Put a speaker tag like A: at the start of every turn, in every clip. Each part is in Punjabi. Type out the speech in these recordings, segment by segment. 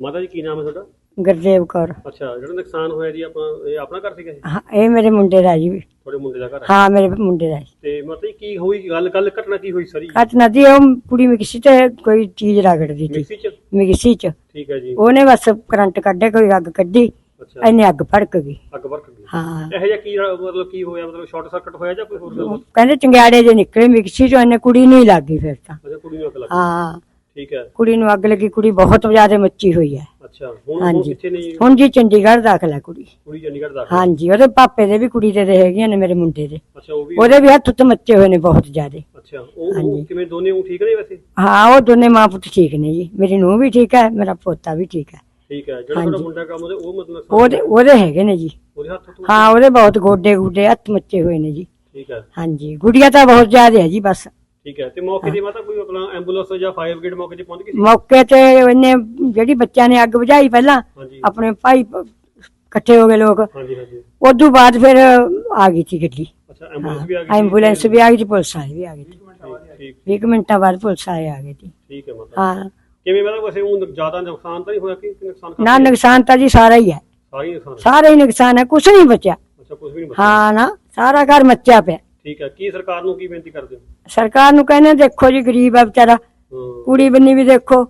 A: ਮਾਤਾ ਜੀ ਕੀ ਨਾਮ ਹੈ ਤੁਹਾਡਾ?
B: ਗੁਰਦੇਵ ਕੌਰ।
A: ਅੱਛਾ, ਜਿਹੜਾ ਨੁਕਸਾਨ ਹੋਇਆ ਜੀ ਇਹ ਆਪਣਾ ਘਰ ਸੀਗਾ?
B: ਹਾਂ, ਇਹ ਮੇਰੇ ਮੁੰਡੇ ਦਾ ਜੀ।
A: ਤੁਹਾਡੇ ਮੁੰਡੇ ਦਾ ਘਰ ਹੈ?
B: ਹਾਂ, ਮੇਰੇ ਮੁੰਡੇ ਦਾ।
A: ਤੇ ਮਤਲਬ ਕੀ ਹੋਈ ਗੱਲ ਘਟਨਾ ਕੀ ਹੋਈ ਸਾਰੀ?
B: ਘਟਨਾ ਦੀ ਉਹ ਕੁੜੀ ਮਿਕਸੀ ਤੇ ਕੋਈ ਚੀਜ਼ ਰਗੜਦੀ ਸੀ ਮਿਕਸੀ ਚ।
A: ਠੀਕ ਹੈ ਜੀ।
B: ਉਹਨੇ ਬਸ ਕਰੰਟ ਕੱਢੇ, ਕੋਈ ਅੱਗ ਕੱਢੀ, ਇਹਨੇ ਅੱਗ ਭੜਕ ਗਈ।
A: ਅੱਗ ਭੜਕ ਗਈ।
B: ਹਾਂ।
A: ਇਹੋ ਜਿਹਾ ਕੀ ਮਤਲਬ ਕੀ ਹੋਇਆ? ਮਤਲਬ ਸ਼ਾਰਟ ਸਰਕਟ ਹੋਇਆ ਜਾਂ ਕੋਈ ਹੋਰ ਗੱਲ?
B: ਕਹਿੰਦੇ ਚੰਗਿਆੜੇ ਜੇ ਨਿਕਲੇ ਮਿਕਸੀ ਚੋਂ, ਇਹਨੇ ਕੁੜੀ ਨੂੰ ਹੀ ਲੱਗ ਗਈ ਫਿਰ ਤਾਂ।
A: ਅੱਛਾ, ਕੁੜੀ ਨੂੰ ਅੱਗ ਲੱਗ ਗਈ।
B: ਹਾਂ,
A: ਠੀਕ ਹੈ।
B: ਕੁੜੀ ਨੂੰ ਅੱਗ ਲੱਗੀ, ਕੁੜੀ ਬਹੁਤ ਜ਼ਿਆਦਾ ਮੱਚੀ ਹੋਈ ਹੈ।
A: ਅੱਛਾ, ਹੁਣ ਕਿੱਥੇ ਨੇ ਜੀ?
B: ਹੁਣ ਜੀ ਚੰਡੀਗੜ੍ਹ ਦਾਖਲ ਹੈ ਕੁੜੀ।
A: ਕੁੜੀ ਚੰਡੀਗੜ੍ਹ ਦਾਖਲ?
B: ਹਾਂਜੀ, ਉਹਦੇ ਪਾਪੇ ਦੇ ਵੀ ਕੁੜੀ ਦੇ ਹੈਗੀਆਂ ਨੇ, ਮੇਰੇ ਮੁੰਡੇ ਦੇ।
A: ਅੱਛਾ, ਉਹ ਵੀ
B: ਉਹਦੇ ਵੀ ਹੱਥ ਉੱਤੇ ਮੱਚੇ ਹੋਏ ਨੇ ਬਹੁਤ ਜ਼ਿਆਦਾ।
A: ਅੱਛਾ, ਉਹ ਕਿਵੇਂ ਦੋਨੇ ਉਹ ਠੀਕ ਨੇ ਵੈਸੇ?
B: ਹਾਂ, ਉਹ ਦੋਨੇ ਮਾਂ ਪੁੱਤ ਠੀਕ ਨੇ ਜੀ। ਮੇਰੀ ਨੂੰਹ ਵੀ ਠੀਕ ਹੈ, ਮੇਰਾ ਪੋਤਾ ਵੀ ਠੀਕ ਹੈ।
A: ਠੀਕ ਹੈ। ਜਿਹੜਾ ਤੁਹਾਡਾ ਮੁੰਡਾ ਕੰਮ ਉਹ ਮਤਲਬ
B: ਉਹਦੇ ਹੈਗੇ ਨੇ ਜੀ।
A: ਉਹਦੇ ਹੱਥ ਤੋਂ?
B: ਹਾਂ, ਉਹਦੇ ਬਹੁਤ ਗੋਡੇ ਗੁੱਡੇ ਹੱਥ ਮੱਚੇ ਹੋਏ ਨੇ ਜੀ।
A: ਠੀਕ ਹੈ।
B: ਹਾਂਜੀ, ਗੁੜੀਆ ਤਾਂ ਬਹੁਤ ਜ਼ਿਆਦਾ ਹੈ ਜੀ ਬਸ।
A: ਠੀਕ ਹੈ। ਤੇ ਮੌਕੇ ਤੇ ਮਾਤਾ ਕੋਈ ਆਪਣਾ ਐਂਬੂਲੈਂਸ ਜਾਂ ਫਾਇਰ ਬ੍ਰਿਗੇਡ ਮੌਕੇ ਤੇ ਪਹੁੰਚ ਗਈ ਸੀ?
B: ਮੌਕੇ ਤੇ ਇਹਨੇ ਜਿਹੜੀ ਬੱਚਿਆਂ ਨੇ ਅੱਗ ਬੁਝਾਈ ਪਹਿਲਾਂ, ਆਪਣੇ ਭਾਈ ਇਕੱਠੇ ਹੋ ਗਏ ਲੋਕ।
A: ਹਾਂਜੀ ਹਾਂਜੀ।
B: ਉਦੋਂ ਬਾਅਦ ਫਿਰ ਆ ਗਈ ਸੀ ਗੱਡੀ।
A: ਅੱਛਾ, ਐਂਬੂਲੈਂਸ ਵੀ ਆ ਗਈ?
B: ਐਂਬੂਲੈਂਸ ਵੀ ਆ ਗਈ ਸੀ, ਪੁਲਿਸ ਵਾਲੇ ਵੀ ਆ ਗਏ ਸੀ।
A: ਠੀਕ।
B: 20 ਮਿੰਟਾਂ ਬਾਅਦ ਪੁਲਿਸ ਵਾਲੇ ਆ ਗਏ ਸੀ।
A: ਠੀਕ ਹੈ ਮਾਤਾ।
B: ਹਾਂ।
A: ਕਿਵੇਂ ਮਤਲਬ ਵੈਸੇ ਉਹ ਜ਼ਿਆਦਾ ਨੁਕਸਾਨ ਤਾਂ ਨਹੀਂ ਹੋਇਆ ਕਿ ਨੁਕਸਾਨ?
B: ਨਾ, ਨੁਕਸਾਨ ਤਾਂ ਜੀ ਸਾਰਾ ਹੀ ਹੈ। ਸਾਰਾ ਹੀ ਨੁਕਸਾਨ ਹੈ, ਕੁਛ ਨਹੀਂ ਬਚਿਆ।
A: ਅੱਛਾ, ਕੁਝ ਵੀ ਨਹੀਂ ਬਚਿਆ?
B: ਹਾਂ ਨਾ, ਸਾਰਾ ਘਰ ਮੱਚਿਆ ਪਿਆ।
A: ਠੀਕ ਹੈ। ਕੀ ਸਰਕਾਰ ਨੂੰ ਕੀ ਬੇਨਤੀ ਕਰਦੇ ਹੋ?
B: ਸਰਕਾਰ ਨੂੰ ਕਹਿੰਦੇ ਦੇਖੋ ਜੀ, ਗਰੀਬ ਆ ਵਿਚਾਰਾ, ਕੁੜੀ ਬੰਨੀ ਵੀ ਦੇਖੋ,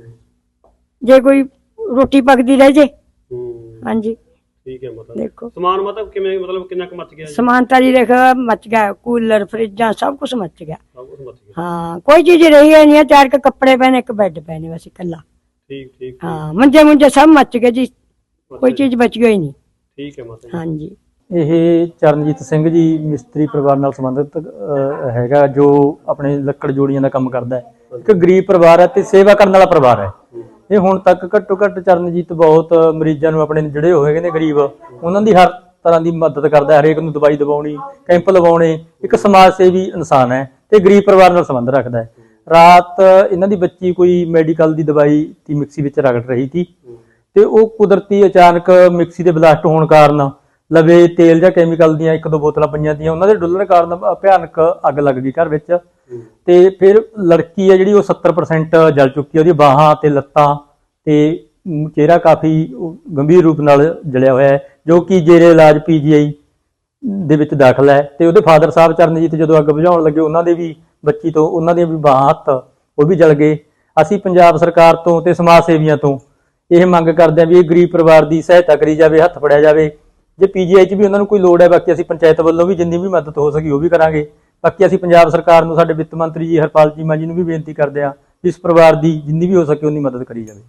B: ਜੇ ਕੋਈ ਰੋਟੀ ਪੱਕਦੀ ਰਹਿ ਜੇ। ਹਾਂਜੀ।
A: ਠੀਕ ਹੈ ਮਾਤਾ।
B: ਦੇਖੋ
A: ਸਮਾਨ ਮਤਲਬ ਕਿਵੇਂ, ਮਤਲਬ ਕਿੰਨਾ ਕੁ ਮੱਚ ਗਿਆ?
B: ਸਮਾਨ ਤਾਂ ਜੀ ਦੇਖ ਮੱਚ ਗਿਆ, ਕੂਲਰ ਫਰਿੱਜਾਂ ਸਭ ਕੁਝ ਮੱਚ ਗਿਆ।
A: ਸਭ ਕੁਝ ਮੱਚ ਗਿਆ।
B: ਹਾਂ, ਕੋਈ ਚੀਜ਼ ਰਹੀ ਹੈ ਨਹੀਂ। 4 ਕੱਪੜੇ ਪਏ ਨੇ, ਇੱਕ ਬੈੱਡ ਪਏ ਨੇ ਬਸ ਇਕੱਲਾ।
A: ਠੀਕ ਠੀਕ।
B: ਹਾਂ, ਮੰਜੇ ਮੁੰਜੇ ਸਭ ਮੱਚ ਗਏ ਜੀ, ਕੋਈ ਚੀਜ਼ ਬਚ ਗਈ ਨਹੀਂ।
A: ਠੀਕ ਹੈ ਮਾਤਾ।
B: ਹਾਂਜੀ।
C: ਇਹ ਚਰਨਜੀਤ ਸਿੰਘ ਜੀ ਮਿਸਤਰੀ ਪਰਿਵਾਰ ਨਾਲ ਸੰਬੰਧਿਤ ਹੈਗਾ, ਜੋ ਆਪਣੇ ਲੱਕੜ ਜੋੜੀਆਂ ਦਾ ਕੰਮ ਕਰਦਾ ਹੈ। ਇੱਕ ਗਰੀਬ ਪਰਿਵਾਰ ਹੈ ਤੇ ਸੇਵਾ ਕਰਨ ਵਾਲਾ ਪਰਿਵਾਰ ਹੈ। ਇਹ ਹੁਣ ਤੱਕ ਘੱਟੋ ਘੱਟ ਚਰਨਜੀਤ ਬਹੁਤ ਮਰੀਜ਼ਾਂ ਨੂੰ ਆਪਣੇ ਜਿਹੜੇ ਹੋਏ ਨੇ ਗਰੀਬ, ਉਹਨਾਂ ਦੀ ਹਰ ਤਰ੍ਹਾਂ ਦੀ ਮਦਦ ਕਰਦਾ ਹੈ। ਹਰੇਕ ਨੂੰ ਦਵਾਈ ਦਵਾਉਣੀ, ਕੈਂਪ ਲਵਾਉਣੇ। ਇੱਕ ਸਮਾਜ ਸੇਵੀ ਇਨਸਾਨ ਹੈ ਤੇ ਗਰੀਬ ਪਰਿਵਾਰ ਨਾਲ ਸੰਬੰਧ ਰੱਖਦਾ ਹੈ। ਰਾਤ ਇਹਨਾਂ ਦੀ ਬੱਚੀ ਕੋਈ ਮੈਡੀਕਲ ਦੀ ਦਵਾਈ ਦੀ ਮਿਕਸੀ ਵਿੱਚ ਰਗੜ ਰਹੀ ਸੀ ਤੇ ਉਹ ਕੁਦਰਤੀ ਅਚਾਨਕ ਮਿਕਸੀ ਦੇ ਬਲਾਸਟ ਹੋਣ ਕਾਰਨ ਲਵੇ ਤੇਲ ਜਾਂ ਕੈਮੀਕਲ ਦੀਆਂ 1-2 ਬੋਤਲਾਂ ਪਈਆਂ ਤੀਆਂ, ਉਹਨਾਂ ਦੇ ਡੁੱਲਣ ਕਾਰਨ ਭਿਆਨਕ ਅੱਗ ਲੱਗ ਗਈ ਘਰ ਵਿੱਚ। ਤੇ ਫਿਰ ਲੜਕੀ ਹੈ ਜਿਹੜੀ ਉਹ 70% ਜਲ ਚੁੱਕੀ ਹੈ। ਉਹਦੀ ਬਾਹਾਂ ਤੇ ਲੱਤਾਂ ਤੇ ਚਿਹਰਾ ਕਾਫੀ ਗੰਭੀਰ ਰੂਪ ਨਾਲ ਜਲਿਆ ਹੋਇਆ ਹੈ, ਜੋ ਕਿ ਜੇਰੇ ਇਲਾਜ PGI ਦੇ ਵਿੱਚ ਦਾਖਲ ਹੈ। ਤੇ ਉਹਦੇ ਫਾਦਰ ਸਾਹਿਬ ਚਰਨਜੀਤ ਜਦੋਂ ਅੱਗ ਬੁਝਾਉਣ ਲੱਗੇ, ਉਹਨਾਂ ਦੇ ਵੀ ਬੱਚੀ ਤੋਂ ਉਹਨਾਂ ਦੀਆਂ ਵੀ ਬਾਹਾਂ ਹੱਥ ਉਹ ਵੀ ਜਲ ਗਏ। ਅਸੀਂ ਪੰਜਾਬ ਸਰਕਾਰ ਤੋਂ ਤੇ ਸਮਾਜ ਸੇਵੀਆਂ ਤੋਂ ਇਹ ਮੰਗ ਕਰਦੇ ਹਾਂ ਵੀ ਇਹ ਗਰੀਬ ਪਰਿਵਾਰ ਦੀ ਸਹਾਇਤਾ ਕਰੀ ਜਾਵੇ, ਹੱਥ ਫੜਿਆ ਜਾਵੇ। ਜੇ PGI 'ਚ ਵੀ ਉਹਨਾਂ ਨੂੰ ਕੋਈ ਲੋੜ ਹੈ, ਬਾਕੀ ਅਸੀਂ ਪੰਚਾਇਤ ਵੱਲੋਂ ਵੀ ਜਿੰਨੀ ਵੀ ਮਦਦ ਹੋ ਸਕੀ ਉਹ ਵੀ ਕਰਾਂਗੇ। ਬਾਕੀ ਅਸੀਂ ਪੰਜਾਬ ਸਰਕਾਰ ਨੂੰ, ਸਾਡੇ ਵਿੱਤ ਮੰਤਰੀ ਜੀ ਹਰਪਾਲ ਚੀਮਾ ਜੀ ਨੂੰ ਵੀ ਬੇਨਤੀ ਕਰਦੇ ਹਾਂ ਵੀ ਇਸ ਪਰਿਵਾਰ ਦੀ ਜਿੰਨੀ ਵੀ ਹੋ ਸਕੇ ਉਨੀ ਮਦਦ ਕਰੀ ਜਾਵੇ।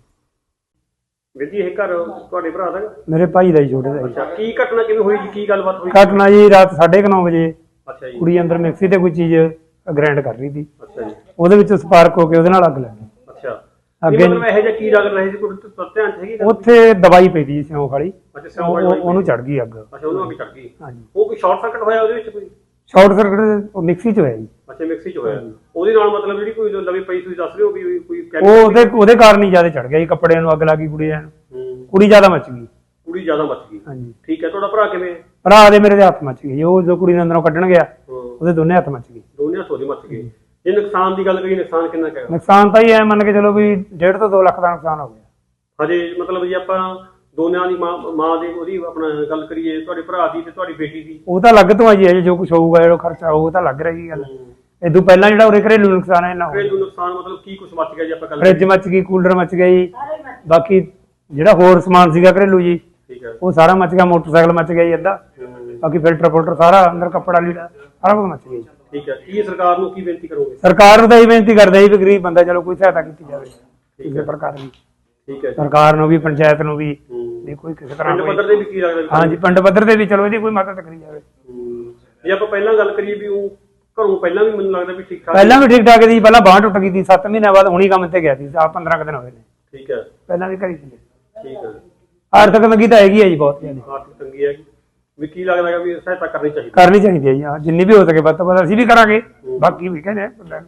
A: ਵੀਰ ਜੀ, ਇਹ ਘਰ ਤੁਹਾਡੇ ਭਰਾ ਦਾ?
D: ਮੇਰੇ ਭਾਈ ਦਾ ਹੀ, ਛੋਟੇ ਦਾ।
A: ਅੱਛਾ, ਕੀ ਘਟਨਾ ਕਿਵੇਂ ਹੋਈ ਜੀ? ਕੀ ਗੱਲਬਾਤ ਹੋਈ?
D: ਘਟਨਾ ਜੀ ਰਾਤ 9:30 ਵਜੇ।
A: ਅੱਛਾ ਜੀ।
D: ਕੁੜੀ ਅੰਦਰ ਮਿਕਸੀ ਤੇ ਕੋਈ ਚੀਜ਼ ਗ੍ਰਾਈਂਡ ਕਰ ਰਹੀ ਸੀ।
A: ਅੱਛਾ ਜੀ।
D: ਉਹਦੇ ਵਿੱਚ ਸਪਾਰਕ ਹੋ ਕੇ ਉਹਦੇ ਨਾਲ ਅੱਗ ਲੱਗ ਗਈ।
A: ਅੱਛਾ, ਅੱਗੇ ਮਤਲਬ ਇਹੋ ਜਿਹਾ ਕੀ ਲੱਗ ਰਿਹਾ ਸੀ? ਕੋਈ ਧਿਆਨ ਚ ਹੈਗੀ?
D: ਉੱਥੇ ਦਵਾਈ ਪਈ ਸੀ ਸਿਉਂਖ ਵਾਲੀ।
A: ਅੱਛਾ, ਸਿਉਂਖ ਵਾਲੀ
D: ਉਹਨੂੰ ਚੜ ਗਈ ਅੱਗ।
A: ਅੱਛਾ, ਉਹਨੂੰ ਅੱਗ ਚੜ ਗਈ।
D: ਹਾਂਜੀ।
A: ਉਹ ਕੋਈ ਸ਼ਾਰਟ ਸਰਕਟ ਹੋਇਆ ਉਹਦੇ ਵਿੱਚ? ਕੋਈ
D: ਸ਼ਾਰਟ ਸਰਕਟ ਉਹ ਮਿਕਸੀ 'ਚ ਹੋਇਆ ਜੀ।
A: ਅੱਛਾ, ਮਿਕਸੀ 'ਚ ਹੋਇਆ। ਉਹਦੇ ਨਾਲ ਮਤਲਬ ਜਿਹੜੀ ਕੋਈ ਲਵੀ ਪਈ ਤੁਸੀਂ ਦੱਸ ਰਹੇ ਹੋ ਵੀ ਕੋਈ
D: ਉਹਦੇ ਕਾਰਨ ਹੀ ਜ਼ਿਆਦਾ ਚੜ ਗਿਆ ਜੀ। ਕੱਪੜਿਆਂ ਨੂੰ ਅੱਗ ਲੱਗ ਗਈ, ਕੁੜੀ ਜ਼ਿਆਦਾ ਮੱਚ ਗਈ।
A: ਕੁੜੀ ਜ਼ਿਆਦਾ ਮੱਚ ਗਈ।
D: ਹਾਂਜੀ।
A: ਠੀਕ ਹੈ। ਤੁਹਾਡਾ ਭਰਾ ਕਿਵੇਂ?
D: ਭਰਾ ਦੇ ਮੇਰੇ ਦੇ ਹੱਥ ਮੱਚ ਗਏ। ਉਹ ਜੋ ਕੁੜੀ ਨੂੰ ਅੰਦਰੋਂ ਕੱਢਣ ਗਿਆ, ਉਹਦੇ ਦੋਨੇ ਹੱਥ ਮੱਚ ਗਏ।
A: ਦੋਨੇ ਹੱਥ ਉਹਦੇ ਮੱਚ ਗਏ। ਇਹ ਨੁਕਸਾਨ ਦੀ ਗੱਲ ਕਰੀ, ਨੁਕਸਾਨ ਕਿੰਨਾ ਕੁ ਹੈ?
D: ਨੁਕਸਾਨ ਤਾਂ ਹੀ ਐ ਮੰਨ ਕੇ ਚਲੋ ਵੀ 1.5 ਤੋਂ 2 ਲੱਖ ਦਾ ਨੁਕਸਾਨ ਹੋ ਗਿਆ।
A: ਹਜੇ ਮਤਲਬ ਜੇ ਆਪਾਂ ਦੋਨਿਆਂ ਦੀ ਮਾਂ ਦੀ ਉਹਦੀ ਆਪਣਾ ਗੱਲ ਕਰੀਏ, ਤੁਹਾਡੇ ਭਰਾ ਦੀ ਤੇ ਤੁਹਾਡੀ ਬੇਟੀ ਦੀ,
D: ਉਹ ਤਾਂ ਅਲੱਗ ਤੋਂ ਆ ਜੀ। ਅਜੇ ਜੋ ਕੁਝ ਹੋਊਗਾ, ਜਿਹੜਾ ਖਰਚਾ ਉਹ ਤਾਂ ਲੱਗ ਰਹੀ ਗੱਲ। ਇਦੋਂ ਪਹਿਲਾਂ ਜਿਹੜਾ ਉਰੇ ਘਰੇਲੂ ਨੁਕਸਾਨ ਹੈ ਨਾ,
A: ਘਰੇਲੂ ਨੁਕਸਾਨ ਮਤਲਬ ਕੀ ਕੁਝ ਮੱਚ ਗਿਆ ਜੀ? ਆਪਾਂ
D: ਫਰਿੱਜ ਮੱਚ ਗਈ, ਕੂਲਰ ਮੱਚ ਗਿਆ ਜੀ। ਬਾਕੀ ਜਿਹੜਾ ਹੋਰ ਸਮਾਨ ਸੀਗਾ ਘਰੇਲੂ ਜੀ, ਉਹ ਸਾਰਾ ਮੱਚ ਗਿਆ। ਮੋਟਰਸਾਈਕਲ ਮੱਚ ਗਿਆ ਜੀ ਅੱਧਾ। ਬਾਕੀ ਫਿਲਟਰ ਸਾਰਾ ਅੰਦਰ ਕੱਪੜਾ ਲੀੜਾ ਸਾਰਾ ਕੁਝ ਮੱਚ ਗਿਆ ਜੀ।
A: ਠੀਕ ਹੈ। ਕੀ ਸਰਕਾਰ ਨੂੰ ਕੀ ਬੇਨਤੀ ਕਰੋਗੇ?
D: ਸਰਕਾਰ ਨੂੰ ਤਾਂ ਇਹ ਬੇਨਤੀ ਕਰਦੇ ਜੀ ਵੀ ਗਰੀਬ ਬੰਦਾ ਚਲੋ ਕੋਈ ਸਹਾਇਤਾ ਕੀਤੀ ਜਾਵੇ ਕਿਸੇ ਪ੍ਰਕਾਰ ਦੀ।
A: ਠੀਕ ਹੈ।
D: ਸਰਕਾਰ ਨੂੰ ਵੀ, ਪੰਚਾਇਤ ਨੂੰ ਵੀ, ਕੋਈ ਕਿਸੇ ਤਰ੍ਹਾਂ
A: ਪਿੰਡ ਪੱਧਰ ਤੇ ਵੀ ਕੀ ਲੱਗਦਾ?
D: ਹਾਂਜੀ, ਪਿੰਡ ਪੱਧਰ ਤੇ ਵੀ ਚਲੋ ਇਹਦੀ ਕੋਈ ਮਦਦ ਕਰੀ ਜਾਵੇ।
A: ਜੇ ਆਪਾਂ ਪਹਿਲਾਂ ਗੱਲ ਕਰੀਏ ਵੀ ਉਹ ਘਰੋਂ ਪਹਿਲਾਂ ਵੀ ਮੈਨੂੰ ਲੱਗਦਾ ਵੀ ਠੀਕ ਠਾਕ,
D: ਪਹਿਲਾਂ ਵੀ ਠੀਕ ਠਾਕ ਸੀ। ਪਹਿਲਾਂ ਬਾਂਹ ਟੁੱਟ ਗਈ ਸੀ, 7 ਮਹੀਨਿਆਂ ਬਾਅਦ ਹੁਣੀ ਕੰਮ ਤੇ ਗਿਆ ਸੀ। 15 ਦਿਨ ਹੋਏ ਨੇ।
A: ਠੀਕ ਹੈ।
D: ਪਹਿਲਾਂ ਵੀ ਕਰੀ ਸੀ।
A: ਠੀਕ ਹੈ।
D: ਆਰਥਿਕ ਤੰਗੀ ਤਾਂ ਹੈਗੀ ਹੈ ਜੀ, ਬਹੁਤ ਜ਼ਿਆਦਾ
A: ਆਰਥਿਕ ਤੰਗੀ ਹੈਗੀ ਵੀ ਕੀ ਲੱਗਦਾ ਹੈ ਵੀ ਸਹਾਇਤਾ ਕਰਨੀ ਚਾਹੀਦੀ
D: ਹੈ ਜੀ। ਜਿੰਨੀ ਵੀ ਹੋ ਸਕੇ ਵੱਧ ਤੋਂ ਵੱਧ ਅਸੀਂ ਵੀ ਕਰਾਂਗੇ। ਬਾਕੀ ਵੀ ਕਹਿੰਦੇ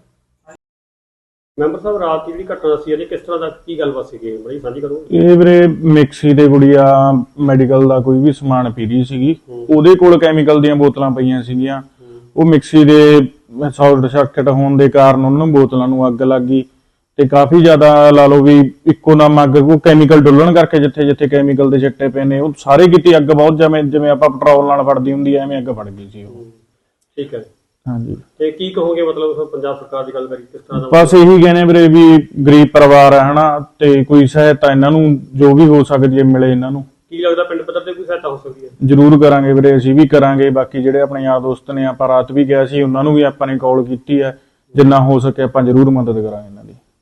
A: ਮੈਂਬਰ ਸਾਹਿਬ, ਰਾਤ ਦੀ ਜਿਹੜੀ ਘਟਨਾ ਸੀ ਇਹਦੇ ਕਿਸ ਤਰ੍ਹਾਂ ਦਾ ਕੀ ਗੱਲਬਾਤ ਸੀਗੀ, ਬੜੀ ਸਾਂਝੀ ਕਰੋ।
E: ਇਹ ਵੀਰੇ ਮਿਕਸੀ ਦੇ ਗੁੜੀਆ ਮੈਡੀਕਲ ਦਾ ਕੋਈ ਵੀ ਸਮਾਨ ਪੀ ਰਹੀ ਸੀਗੀ। ਉਹਦੇ ਕੋਲ ਕੈਮੀਕਲ ਦੀਆਂ ਬੋਤਲਾਂ ਪਈਆਂ ਸੀਗੀਆਂ। ਉਹ ਮਿਕਸੀ ਦੇ ਸ਼ਾਰਟ ਸਰਕਟ ਹੋਣ ਦੇ ਕਾਰਨ ਉਹਨਾਂ ਬੋਤਲਾਂ ਨੂੰ ਅੱਗ ਲੱਗ ਗਈ ਤੇ ਕਾਫੀ ਜ਼ਿਆਦਾ ਲਾ ਲਓ ਵੀ ਇੱਕੋ ਦਮ ਅੱਗ ਕੋ ਕੈਮੀਕਲ ਡੁੱਲਣ ਕਰਕੇ ਜਿੱਥੇ ਜਿੱਥੇ ਕੈਮੀਕਲ ਦੇ ਛਿੱਟੇ ਪਏ ਨੇ ਉਹ ਸਾਰੇ ਕਿਤੇ ਅੱਗ ਬਹੁਤ ਜਿਵੇਂ ਆਪਾਂ ਪੈਟਰੋਲ ਨਾਲ ਫੜਦੀ ਹੁੰਦੀ ਐ ਐਵੇਂ ਅੱਗ ਫੜ ਗਈ ਸੀ ਉਹ।
A: ਠੀਕ ਹੈ।
E: ਹਾਂਜੀ
A: ਤੇ ਕੀ ਕਹੋਗੇ ਮਤਲਬ ਪੰਜਾਬ ਸਰਕਾਰ ਦੀ ਗੱਲ ਕਰੀ ਕਿਸ ਤਰ੍ਹਾਂ ਦਾ?
E: ਬਸ ਇਹੀ ਕਹਿੰਦੇ ਵੀਰੇ ਵੀ ਗਰੀਬ ਪਰਿਵਾਰ ਹੈ ਹਨਾ, ਤੇ ਕੋਈ ਸਹਾਇਤਾ ਇਹਨਾਂ ਨੂੰ ਜੋ ਵੀ ਹੋ ਸਕਦੀ ਹੈ ਮਿਲੇ ਇਹਨਾਂ ਨੂੰ।
A: ਕੀ ਲੱਗਦਾ ਪਿੰਡ ਪੱਧਰ ਤੇ ਕੋਈ ਸਹਾਇਤਾ ਹੋ ਸਕਦੀ ਹੈ?
E: ਜ਼ਰੂਰ ਕਰਾਂਗੇ ਵੀਰੇ, ਅਸੀਂ ਵੀ ਕਰਾਂਗੇ। ਬਾਕੀ ਜਿਹੜੇ ਆਪਣੇ ਯਾਰ ਦੋਸਤ ਨੇ ਆਪਾਂ ਰਾਤ ਵੀ ਗਿਆ ਸੀ ਉਹਨਾਂ ਨੂੰ ਵੀ ਆਪਾਂ ਨੇ ਕਾਲ ਕੀਤੀ ਹੈ, ਜਿੰਨਾ ਹੋ ਸਕੇ ਆਪਾਂ ਜ਼ਰੂਰ ਮਦਦ ਕਰਾਂਗੇ।